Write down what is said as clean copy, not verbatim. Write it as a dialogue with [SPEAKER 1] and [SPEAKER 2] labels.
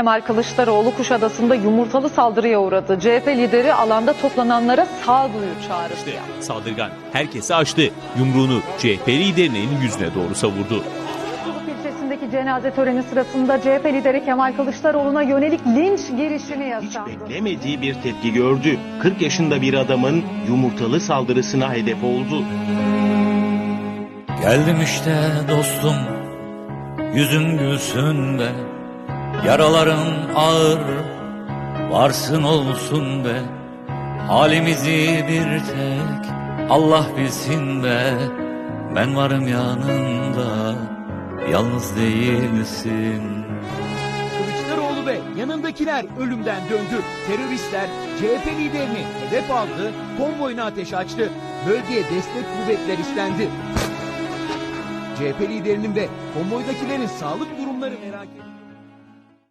[SPEAKER 1] Kemal Kılıçdaroğlu Kuşadası'nda yumurtalı saldırıya uğradı. CHP lideri alanda toplananlara sağduyu çağrısı yaptı.
[SPEAKER 2] Saldırgan herkesi açtı. Yumruğunu CHP liderinin yüzüne doğru savurdu.
[SPEAKER 1] İlçesindeki cenaze töreni sırasında CHP lideri Kemal Kılıçdaroğlu'na yönelik linç girişimi
[SPEAKER 3] Hiç
[SPEAKER 1] yaşandı.
[SPEAKER 3] beklemediği bir tepki gördü. 40 yaşında bir adamın yumurtalı saldırısına hedef oldu.
[SPEAKER 4] Geldim işte dostum, yüzün gülsün be. Yaraların ağır, varsın olsun be. Halimizi bir tek Allah bilsin be. Ben varım yanında, yalnız değilsin.
[SPEAKER 5] Kılıçdaroğlu ve yanındakiler ölümden döndü. Teröristler CHP liderini hedef aldı, konvoyuna ateş açtı. Bölgeye destek kuvvetler istendi. CHP liderinin ve konvoydakilerin sağlık durumları merak edildi.